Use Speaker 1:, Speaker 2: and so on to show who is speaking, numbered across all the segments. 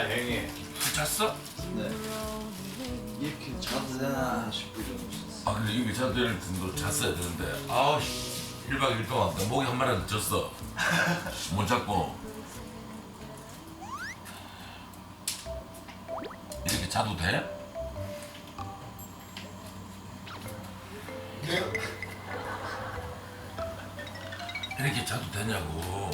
Speaker 1: 형님. 잤어?
Speaker 2: 네. 이렇게 자도 되나 싶을 정도 잤어.
Speaker 1: 아 근데 이거 자도 될 정도 잤어야 되는데 아우 1박 2일 동안 내 목이 한 마리라도 졌어. 못 잡고 이렇게 자도 돼? 이렇게 자도 되냐고.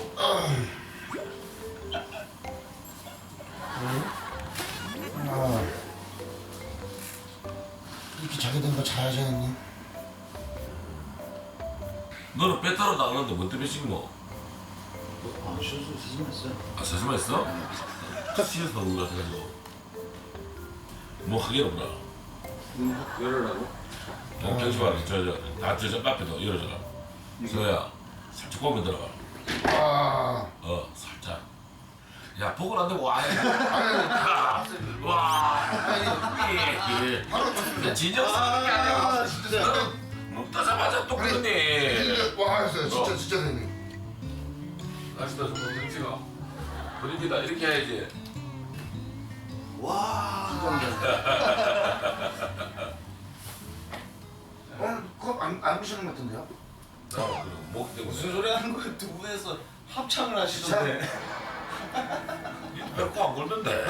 Speaker 3: 이렇게 자게 된 거 자야지 형님.
Speaker 1: 너는 배 따로 나가는데 뭔 때문에 씻노?
Speaker 2: 아, 쉬어서 세심했어요.
Speaker 1: 아 세심했어? 시에서 나온 거 같아가지고 뭐 하긴 없나?
Speaker 2: 문확 열으라고?
Speaker 1: 경치봐 저저 앞에도 열어줘라. 서야 살짝 고개 들어가. 살짝. 야 복을 안 되고 와. 와. 야 진정성 게 아니야.
Speaker 3: 진짜.
Speaker 1: 먹다자마자 또 그러니.
Speaker 3: 와 했어요. 진짜 형님.
Speaker 1: 날씨다 좀 찍어. 분위기다 이렇게 해야지.
Speaker 2: 와.
Speaker 3: 오늘 컵안 부시는 것 같은데요?
Speaker 1: 목 때문에.
Speaker 2: 무슨 소리 하는 거야? 두 분에서 합창을 하시던데.
Speaker 1: 배고 안 걸던데.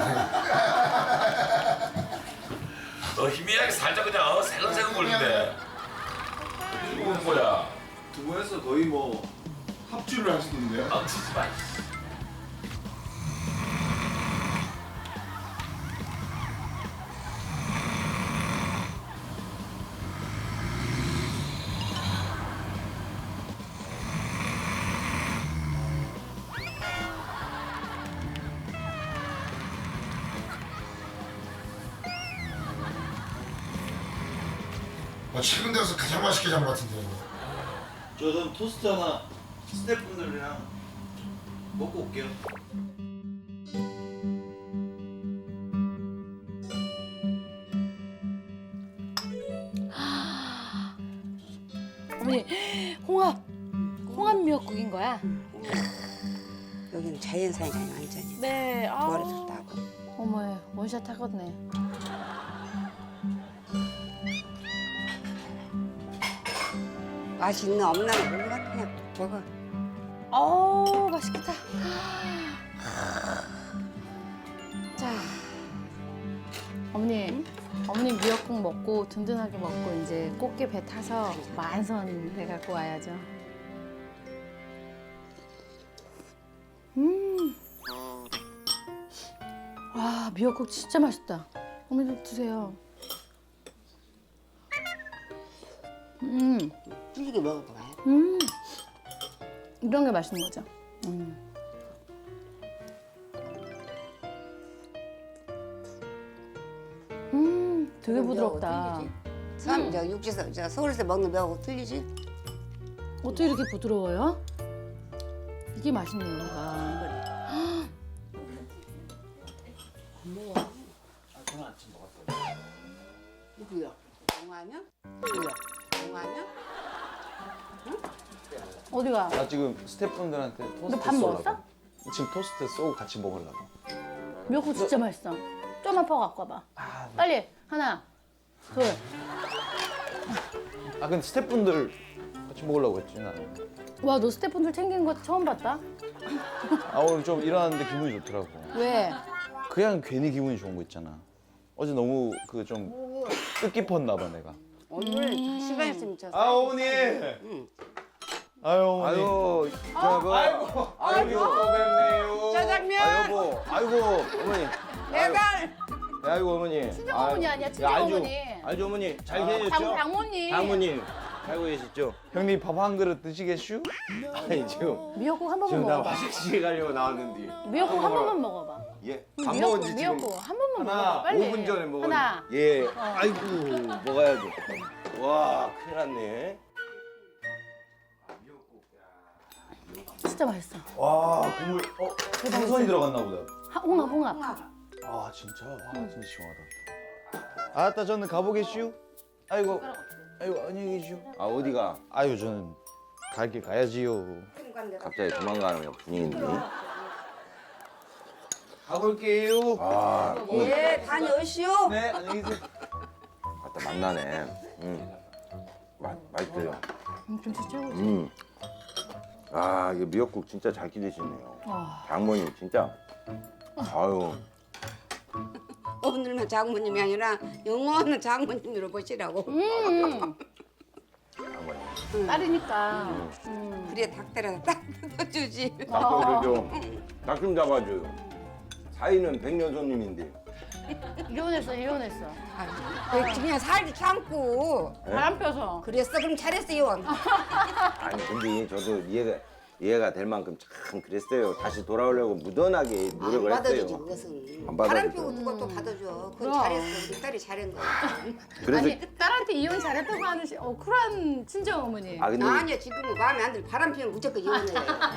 Speaker 1: 희미하게 살짝 그냥 새근새근 걸린대. 이거 뭐 뭐야?
Speaker 2: 두 분에서 거의 뭐 합주를 하시던데요?
Speaker 1: 치지 마.
Speaker 3: 최근 들어서 가장 맛있게 잔 것 같은데요.
Speaker 2: 저는 토스트 하나 스태프분들이랑 먹고 올게요.
Speaker 4: 어머니 홍합 미역국인 거야?
Speaker 5: 여기는 자연산이잖아 완전히.
Speaker 4: 네.
Speaker 5: 머리도 따고.
Speaker 4: 어머 원샷 하겠네.
Speaker 5: 맛이 있나 없나 몰라 그냥 먹어.
Speaker 4: 맛있겠다. 자, 어머니 미역국 먹고 든든하게 먹고 이제 꽃게 배 타서 만선 해갖고 와야죠. 와 미역국 진짜 맛있다. 어머니도 드세요.
Speaker 5: 쫄게 먹어봐.
Speaker 4: 이런 게 맛있는 거죠. 되게 부드럽다.
Speaker 5: 참, 저 육지에서 저 서울에서 먹는 뼈하고 틀리지?
Speaker 4: 어떻게 이렇게 부드러워요? 이게 맛있네요, 얘가.
Speaker 5: 누구야? 동화면? 누구야? 동화면?
Speaker 4: 어디가?
Speaker 6: 나 지금 스태프분들한테 토스트
Speaker 4: 밥
Speaker 6: 쏘려고.
Speaker 4: 먹었어?
Speaker 6: 지금 토스트 쏘고 같이 먹으려고.
Speaker 4: 미역국 진짜 맛있어. 좀만 퍼 갖고 와봐. 빨리 하나, 둘.
Speaker 6: 아 근데 스태프분들 같이 먹으려고 했지 나는.
Speaker 4: 와, 너 스태프분들 챙긴 거 처음 봤다?
Speaker 6: 아 오늘 좀 일어났는데 기분이 좋더라고.
Speaker 4: 왜?
Speaker 6: 그냥 괜히 기분이 좋은 거 있잖아. 어제 너무 그 좀 뜻깊었나 봐 내가.
Speaker 5: 오늘 시간이 있으면 저
Speaker 6: 어머니. 아유 어머니.
Speaker 7: 아유, 저거.
Speaker 6: 아이고 뵙네요.
Speaker 5: 짜장면!
Speaker 6: 아 여보. 아이고 어머니.
Speaker 5: 배달!
Speaker 7: 아이고 어머니.
Speaker 4: 친정 어머니 아니야, 친정
Speaker 7: 알죠.
Speaker 4: 어머니.
Speaker 7: 알죠 어머니. 잘 계셨죠?
Speaker 4: 장모님.
Speaker 7: 장모님. 살고 계셨죠?
Speaker 6: 형님 밥 한 그릇 드시겠슈?
Speaker 7: 아니 지금
Speaker 4: 미역국 한 번만
Speaker 7: 지금 나
Speaker 4: 먹어봐.
Speaker 7: 화장실 가려고 나왔는데.
Speaker 4: 미역국 한 번만 먹어봐.
Speaker 7: 예.
Speaker 4: 응,
Speaker 7: 밥 먹은 지 지금
Speaker 4: 미역국 한 번만
Speaker 7: 하나
Speaker 4: 먹어봐. 빨리.
Speaker 7: 5분 전에 먹었는데.
Speaker 4: 하나.
Speaker 7: 예. 아이고 먹어야죠. 와 큰일 났네.
Speaker 4: 진짜 맛있어.
Speaker 6: 와 국물 생선이 들어갔나 보다.
Speaker 4: 홍합.
Speaker 6: 아 진짜 와 진짜 시원하다. 아따 저는 가보겠슈. 아이고 안녕히 계시오.
Speaker 7: 아 어디가?
Speaker 6: 아유 저는 갈 길 가야지요.
Speaker 7: 갑자기 도망가는 분위기인데.
Speaker 6: 가볼게요.
Speaker 7: 아,
Speaker 5: 예, 다녀오시오.
Speaker 6: 네, 안녕히 계세요.
Speaker 7: 아따 맛나네. 맛있어요.
Speaker 4: 김치 최고지.
Speaker 7: 아, 이게 미역국 진짜 잘 기르시네요. 장모님 진짜. 아유,
Speaker 5: 오늘만 장모님이 아니라 영원한 장모님으로 보시라고.
Speaker 7: 장모님.
Speaker 4: 딸이니까.
Speaker 5: 그래 닭다리가 딱 뜯어주지.
Speaker 7: 닭도를 좀, 닭 좀 잡아줘요. 사이는 백년 손님인데.
Speaker 4: 이혼했어.
Speaker 5: 그냥 살도 참고.
Speaker 4: 바람 펴서.
Speaker 5: 그랬어 그럼 잘했어요.
Speaker 7: 아니 근데 저도 이해가 될 만큼 참 그랬어요. 다시 돌아오려고 무던하게
Speaker 5: 안
Speaker 7: 노력을
Speaker 5: 받아주지
Speaker 7: 했어요.
Speaker 5: 그것은.
Speaker 7: 안
Speaker 5: 바람
Speaker 7: 받아주죠.
Speaker 5: 피고 누가 또 받아줘. 그건
Speaker 4: 그럼.
Speaker 5: 잘했어. 우리 딸이 잘한 거야.
Speaker 7: 그래서
Speaker 4: 아니 딸한테 이혼 잘했다고 하는 쿨한 친정 어머니.
Speaker 7: 아 근데
Speaker 5: 아니야 지금은 마음에 안 들어. 바람 피면 무조건 이혼해.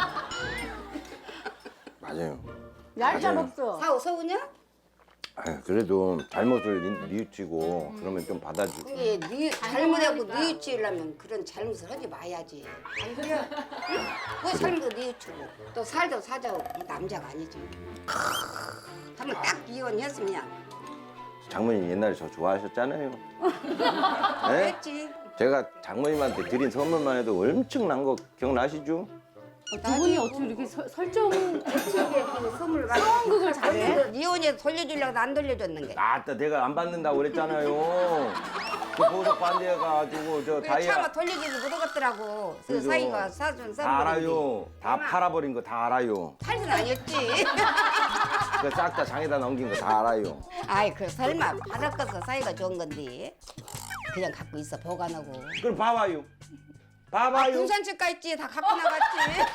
Speaker 7: 맞아요.
Speaker 4: 얄짤 없어.
Speaker 5: 사오 서우냐?
Speaker 7: 아유, 그래도 잘못을 뉘우치고 그러면 좀 받아주고.
Speaker 5: 그게 잘못하고 뉘우치려면 그런 잘못을 하지 마야지. 안 그래? 그 잘못 뉘우치고 또 살도 사자고 이 남자가 아니지. 한번 딱 이혼했으면 그냥
Speaker 7: 장모님 옛날에 저 좋아하셨잖아요. 네?
Speaker 5: 했지.
Speaker 7: 제가 장모님한테 드린 선물만 해도 엄청난 거 기억나시죠?
Speaker 4: 두 분이 어떻게 이렇게 설정
Speaker 5: 그 선물 받
Speaker 4: 상황극을 잘해?
Speaker 5: 이혼해서 돌려주려고 안 돌려줬는 게.
Speaker 7: 아따 내가 안 받는다고 그랬잖아요. 그 보석 반지해가지고 저
Speaker 5: 차마
Speaker 7: 다이아
Speaker 5: 돌려주지 못하겠더라고. 그
Speaker 7: 그죠.
Speaker 5: 사이가 사준 선물.
Speaker 7: 다 알아요. 다 팔아버린 거 다 알아요.
Speaker 5: 팔순 아니었지.
Speaker 7: 그 싹 다 장에다 넘긴 거 다 알아요.
Speaker 5: 아이 그 설마 받아서 사이가 좋은 건데 그냥 갖고 있어 보관하고.
Speaker 7: 그럼 봐봐요.
Speaker 5: 아,
Speaker 7: 봐봐요.
Speaker 5: 군산집 가 있지 다 갖고 나갔지.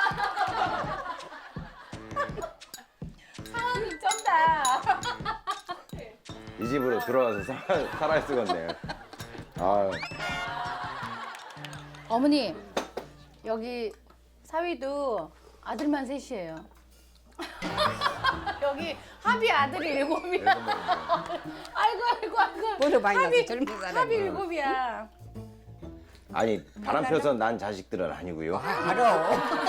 Speaker 4: 상황극 쩐다.
Speaker 7: 이 집으로 들어와서 살아야 쓰겠네. 아유.
Speaker 4: 어머니 여기 사위도 아들만 셋이에요. 여기 합의 아들이 7이야. 아이고.
Speaker 5: 보려 많이 나서 젊은
Speaker 4: 합의
Speaker 5: 사람이.
Speaker 4: 7이야.
Speaker 7: 아니 바람 펴서 난 자식들은 아니고요.
Speaker 5: 알아.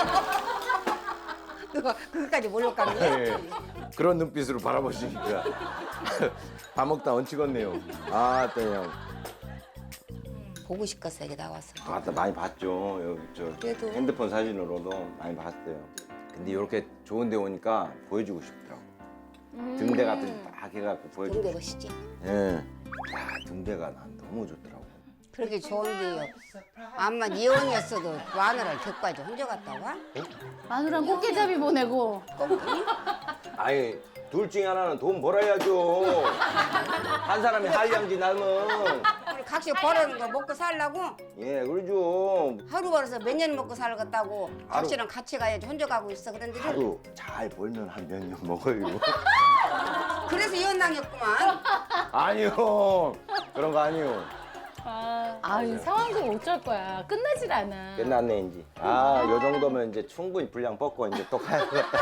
Speaker 5: 그거 그거까지 몰랐겠네.
Speaker 7: 예, 그런 눈빛으로 바라보시니까 밥 먹다 얹히겠네요. 아, 또 형.
Speaker 5: 보고 싶겠어 이게 나왔어.
Speaker 7: 아따 많이 봤죠. 여기 저
Speaker 5: 그래도.
Speaker 7: 핸드폰 사진으로도 많이 봤어요. 근데 이렇게 좋은 데 오니까 보여주고 싶더라고. 등대 같은 딱 해갖고 보여주고
Speaker 5: 근데
Speaker 7: 싶
Speaker 5: 멋있지.
Speaker 7: 예. 야, 등대가 난 너무 좋더라고.
Speaker 5: 그렇게 좋은데요. 암만 이혼이었어도 마누라를 데리고 와야지 혼자 갔다 와?
Speaker 4: 마누랑 꽃게잡이 보내고.
Speaker 7: 아니, 둘 중에 하나는 돈 벌어야죠. 한 사람이 한량지 나면.
Speaker 5: 우리 각시 벌어는 거 먹고 살라고?
Speaker 7: 예, 그러죠.
Speaker 5: 하루 벌어서 몇 년 먹고 살겠다고 각시랑 같이 가야지 혼자 가고 있어 그런데
Speaker 7: 하루 잘 벌면 한 몇 년 먹어요.
Speaker 5: 그래서 이혼당했구만.
Speaker 7: 아니요. 그런 거 아니요.
Speaker 4: 이 상황극 어쩔 거야. 끝나질 않아.
Speaker 7: 끝났네 이제. 아, 요 정도면 이제 충분히 분량 뻗고 이제 또 가야겠다.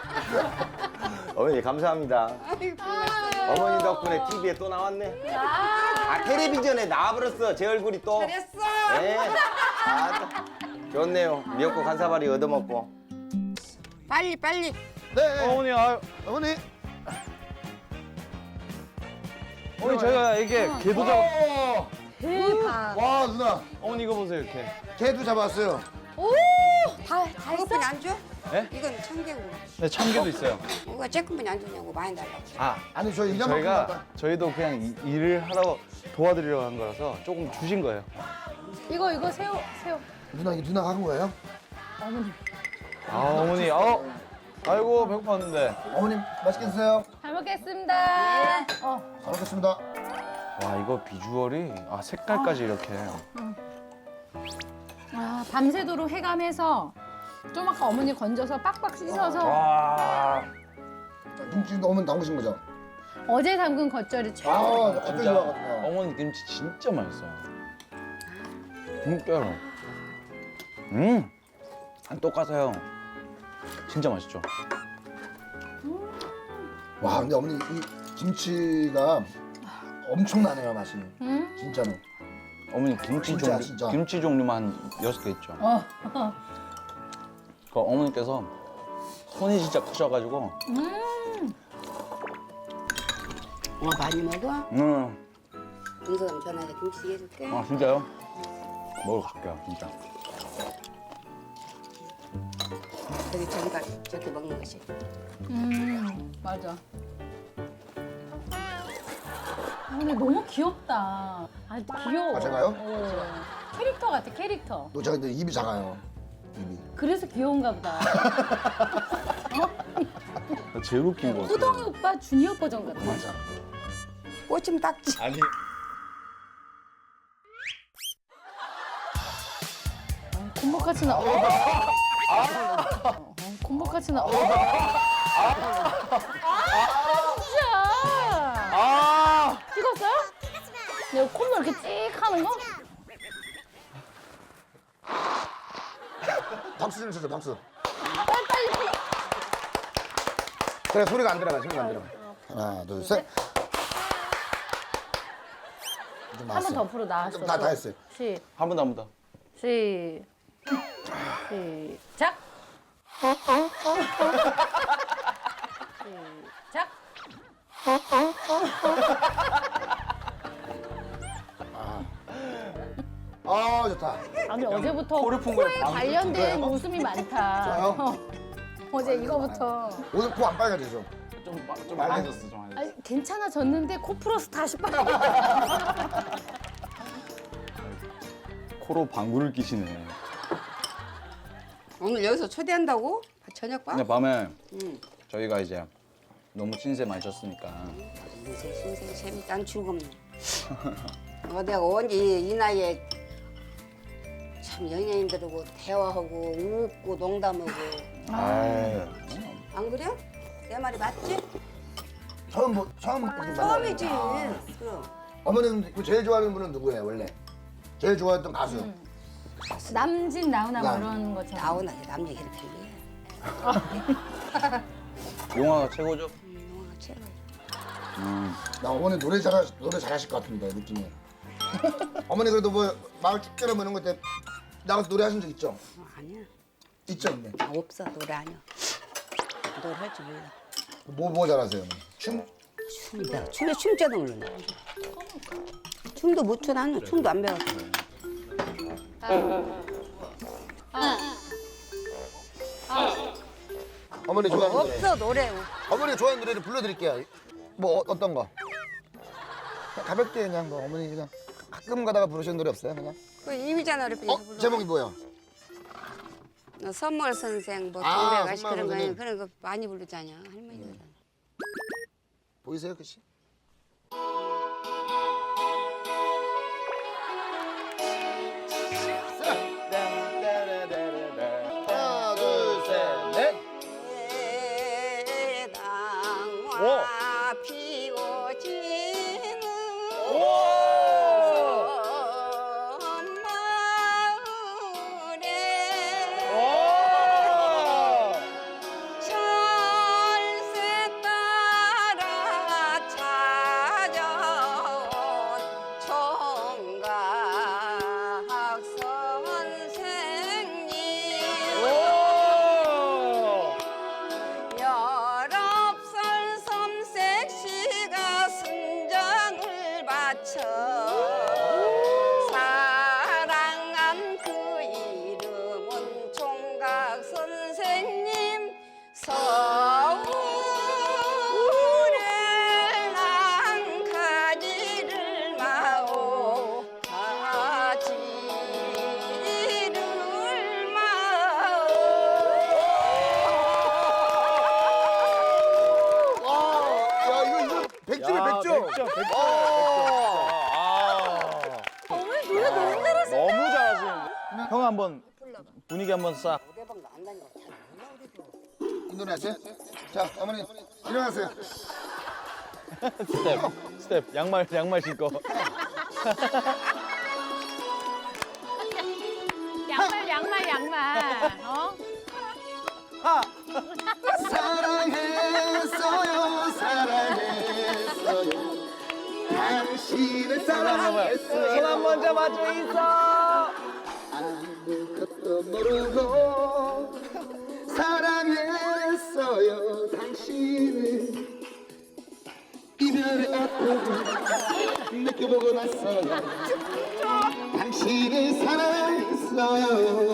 Speaker 7: 어머니 감사합니다. 어머니 덕분에 TV에 또 나왔네. 아, 텔레비전에 나와버렸어. 제 얼굴이 또.
Speaker 5: 잘했어.
Speaker 7: 네. 아, 좋네요. 미역국 한 사발이 얻어먹고.
Speaker 5: 빨리.
Speaker 3: 네.
Speaker 6: 어머니, 아유,
Speaker 3: 어머니.
Speaker 6: 어머니 저희가 이게 개도 잡.
Speaker 4: 대박.
Speaker 3: 와 누나.
Speaker 6: 어머니 이거 보세요 이렇게.
Speaker 3: 개도 잡았어요.
Speaker 4: 다
Speaker 5: 그것뿐이 안 줘?
Speaker 6: 네?
Speaker 5: 이건 참개고.
Speaker 6: 네, 참개도 있어요.
Speaker 5: 누가 쬐끔뿐이 안 주냐고 많이 달라고.
Speaker 6: 아,
Speaker 3: 아니 저 이만큼
Speaker 6: 저희가
Speaker 3: 갖다.
Speaker 6: 저희도 그냥 일을 하러 도와드리려고 한 거라서 조금 주신 거예요.
Speaker 4: 이거 새우.
Speaker 3: 누나 이게 누나가 한 거예요?
Speaker 4: 어머니.
Speaker 6: 아, 어머니, 아이고 배고팠는데.
Speaker 3: 어머님 맛있게 드세요.
Speaker 4: 잘 먹겠습니다.
Speaker 3: 잘 먹겠습니다.
Speaker 6: 와, 이거 비주얼이 색깔까지 이렇게.
Speaker 4: 밤새도록 해감해서 좀 아까 어머니 건져서 빡빡 씻어서
Speaker 6: 와,
Speaker 3: 김치 너무 나오신 거죠?
Speaker 4: 어제 담근 겉절이 최고.
Speaker 3: 어떤
Speaker 6: 진짜
Speaker 3: 좋아하거든요.
Speaker 6: 어머니 김치 진짜 맛있어요. 진짜로. 안 똑같아요. 진짜 맛있죠.
Speaker 3: 와 근데 어머니 이 김치가 엄청나네요 맛이. 진짜로.
Speaker 6: 어머니 김치
Speaker 3: 진짜,
Speaker 6: 종류
Speaker 3: 진짜.
Speaker 6: 김치 종류만 한 6개 있죠. 그 어머니께서 손이 진짜 크셔가지고
Speaker 5: 많이 먹어? 은서가 전화해 김치찌개 해줄게.
Speaker 6: 아 진짜요? 먹으러 갈게요 진짜.
Speaker 5: 저기 저기가 저렇게 먹는 것이.
Speaker 4: 맞아. 근데 너무 귀엽다. 아, 귀여워.
Speaker 3: 아, 제가요?
Speaker 4: 캐릭터 같아, 캐릭터.
Speaker 3: 너 제가 근데 입이 작아요. 입이.
Speaker 4: 그래서 귀여운가 보다.
Speaker 6: 제일 웃긴 거.
Speaker 4: 호동이 오빠 주니어 버전 같아.
Speaker 3: 맞아.
Speaker 5: 꽂히면 딱지.
Speaker 6: 아니
Speaker 4: 콧목같이 나. 콧목같이 나. 진짜. 찍었어요? 내가 콧물 이렇게 찍 하는 거?
Speaker 3: 박수 좀 쳐줘, 박수. 그래, 소리가 안 들어가, 소리가 안 들어가. 하나, 둘, 셋. 좀
Speaker 4: 한 번
Speaker 3: 나왔어.
Speaker 4: 더 풀어 나왔어.
Speaker 3: 다 했어요.
Speaker 6: 한 번 더 한 번 더.
Speaker 4: 시작. 시작.
Speaker 3: 아, 좋다.
Speaker 4: 아니 어제부터
Speaker 6: 코를 푼 거에
Speaker 4: 코에
Speaker 6: 방금
Speaker 4: 관련된 웃음이 많다.
Speaker 3: 저요?
Speaker 4: 어제 이거부터.
Speaker 3: 오늘 코 안 빨개지죠?
Speaker 6: 좀 빨개졌어 좀 빨개졌어.
Speaker 4: 아니, 괜찮아졌는데 코 풀어서 다시 빨리.
Speaker 6: 코로 방구를 끼시네.
Speaker 5: 오늘 여기서 초대한다고? 저녁밥?
Speaker 6: 근데 밤에
Speaker 5: 응.
Speaker 6: 저희가 이제 너무 신세 많이 졌으니까
Speaker 5: 신생 재밌단 죽음네. 내가 언제 이 나이에 참 연예인들하고 대화하고 웃고 농담하고
Speaker 6: 아유
Speaker 5: 안 그래? 내 말이 맞지?
Speaker 3: 처음 보는
Speaker 5: 처음이지.
Speaker 3: 아.
Speaker 5: 그럼.
Speaker 3: 어머님 그 제일 좋아하는 분은 누구예요, 원래? 제일 좋아했던 가수.
Speaker 4: 남진 나훈아 뭐
Speaker 3: 남.
Speaker 4: 이런 것처럼.
Speaker 5: 나오나 남 얘기 이렇게 해.
Speaker 6: 용화가 최고죠?
Speaker 5: 영화가 최고야.
Speaker 3: 나 어머니 노래 잘하실 것 같은데 느낌이. 어머니 그래도 뭐 마을 축제나 뭐 이런 거 때 나가서 노래하신 적 있죠?
Speaker 5: 아니야.
Speaker 3: 있죠, 있네.
Speaker 5: 나 없어 노래 아니야. 노래 할 줄 몰라.
Speaker 3: 뭐 잘하세요, 어머니? 춤?
Speaker 5: 춤이다. 춤에 춤자도 모르네. 춤도 못 춰 나는 춤도 안 배웠어.
Speaker 3: 어머니 좋아하는 노래.
Speaker 5: 없어 노래.
Speaker 3: 어머니가 좋아하는 노래를 불러드릴게요. 뭐 어떤 거? 그냥 가볍게 그냥 뭐 어머니 그냥 가끔 가다가 부르시는 노래 없어요, 그냥?
Speaker 5: 그 이미자 노래 불러.
Speaker 3: 제목이 뭐예요?
Speaker 5: 선물 선생 뭐
Speaker 3: 아,
Speaker 5: 동백 아시
Speaker 3: 선물
Speaker 5: 그런 거
Speaker 3: 선생님.
Speaker 5: 그런 거 많이 부르잖아 할머니들.
Speaker 3: 보이세요, 글씨? 하나, 둘, 셋, 넷.
Speaker 5: 대당화 피고 지는 섬마을에 철새 따라 찾아온 총각 선생님 19살 섬색시가 순정을 바쳐 사랑한 그 이름은 총각 선생님 서울에 난 가지를 마오 가지를 마오
Speaker 3: 야, 이거 100점에 100점.
Speaker 6: 100점.
Speaker 4: 어머니 노래 너무 잘하시.
Speaker 6: 너무 잘하시는데. 형 한번 분위기 한번 싹.
Speaker 5: 노래방도 안 다니고 잘 몰라 우리도.
Speaker 3: 이 노래 아세요? 자, 어머니 일어나세요.
Speaker 6: 스텝 양말 신고.
Speaker 4: 양말. 어?
Speaker 3: 사랑했어요, 사랑했어요. 당신을 사랑했어요.
Speaker 6: 손 한번 잡아줘 있어.
Speaker 3: 아무것도 모르고 사랑했어요, 당신을 이별의 어떤 사랑했어요. 당신을 사랑했어요.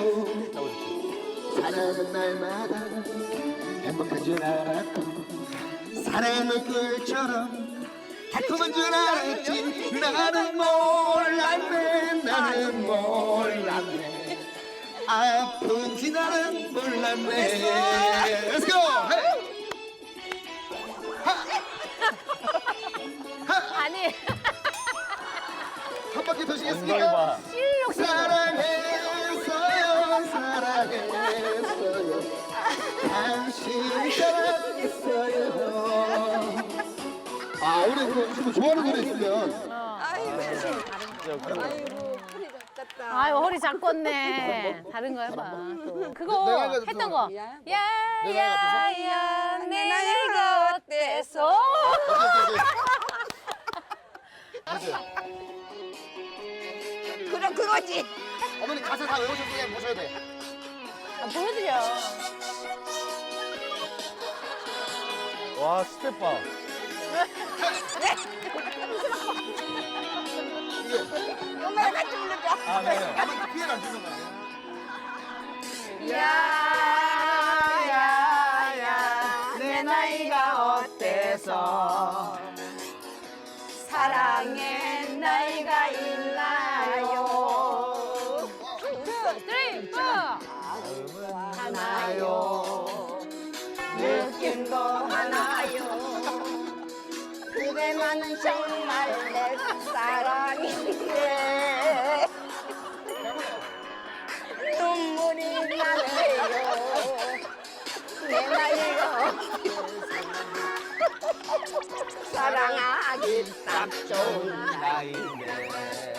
Speaker 3: 사랑은 날마다 행복한 줄 알았고 사랑은 꿀처럼 달콤한 줄 알았지. 나는 몰랐네. 나는 몰랐네. 아픈지 나는 몰랐네. Let's go. Hey.
Speaker 4: 아니
Speaker 3: 한 바퀴
Speaker 6: 엉덩이
Speaker 3: 도시겠습니까?
Speaker 6: 봐.
Speaker 3: 사랑했어요. 사랑했어요. 당신 사랑했어요. 아, 우리 뭐 좋아하는 노래 있으면
Speaker 4: 아유 허리 작겠네. 다른 거 해봐. 또. 그거
Speaker 3: 내가 해도
Speaker 4: 했던
Speaker 3: 또-
Speaker 4: 거. 야야야 내 나이가 어때서?
Speaker 5: 그럼 그거지.
Speaker 3: 어머니 가사 다 외우셨으면 보셔야 돼.
Speaker 4: 아, 보여드려.
Speaker 6: 와 스텝 봐.
Speaker 5: 엄마랑 같이 부르자.
Speaker 6: 아 네.
Speaker 3: 어머니 피해를 안 주는 거야.
Speaker 5: 야야야 내 나이가 어때서 사랑의 나이가 있나요?
Speaker 4: 쓰리, 포.
Speaker 5: 하나요 느낌도 하나요 그대만은 정말 내 사랑인데 눈물이 나네요 내 나이가 사랑하기 딱 좋은
Speaker 6: 나인데.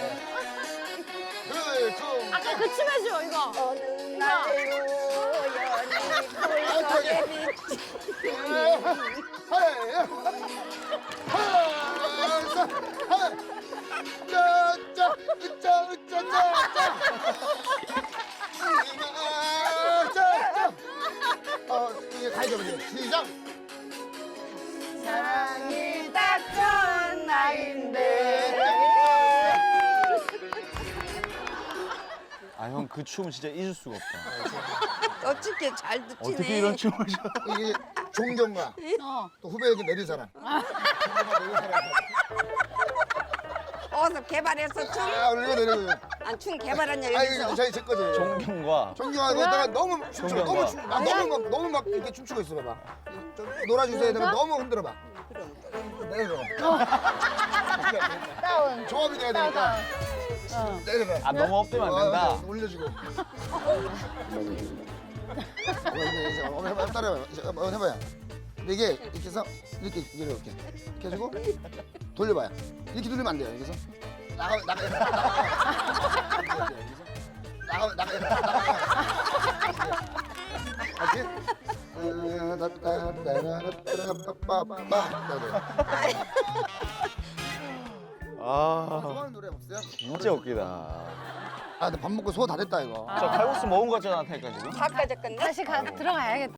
Speaker 4: 아까 그 춤 해줘 이거.
Speaker 5: 어느 날 우연히 불속에 비친
Speaker 3: 이게 가야죠, 이제. 시작.
Speaker 5: 사랑이 딱 좋은 나인데
Speaker 6: 아 형 그 춤 진짜 잊을 수가 없다.
Speaker 5: 어떻게 잘 듣지네
Speaker 6: 어떻게 이런 춤을 춰?
Speaker 3: 이게 존경과 또 후배에게 내리사랑.
Speaker 5: 어서 개발해서 춤?
Speaker 3: 아, 오늘 이거 내리고.
Speaker 5: 춤 개발한
Speaker 3: 아,
Speaker 5: 여기서
Speaker 3: 이거 저희 제 거죠.
Speaker 6: 존경과
Speaker 3: 존경하고 내가 너무 춤추고
Speaker 6: 존경과.
Speaker 3: 너무 막 이렇게 춤추고 있어 봐봐. 좀 놀아주세요. 내가 너무 흔들어 봐. 내려줘.
Speaker 4: 다운.
Speaker 3: 조합이 돼야 되니까. 내려봐.
Speaker 6: 아 너무 업되면 안 된다.
Speaker 3: 올려주고. 어머니 해봐, 따라해봐. 한번 해봐요. 근데 이게 이렇게 해서 이렇게 해주고 돌려봐요. 이렇게 돌리면 안 돼요. 여기서 나가. 알지?
Speaker 6: 아
Speaker 3: 좋아하는 노래 없어요?
Speaker 6: 진짜 웃기다.
Speaker 3: 아, 근데 밥 먹고 소 다 됐다 이거.
Speaker 6: 저 칼국수 먹은 거 같잖아 테니까 지금.
Speaker 5: 다 까졌겠네
Speaker 4: 다시 들어가야겠다.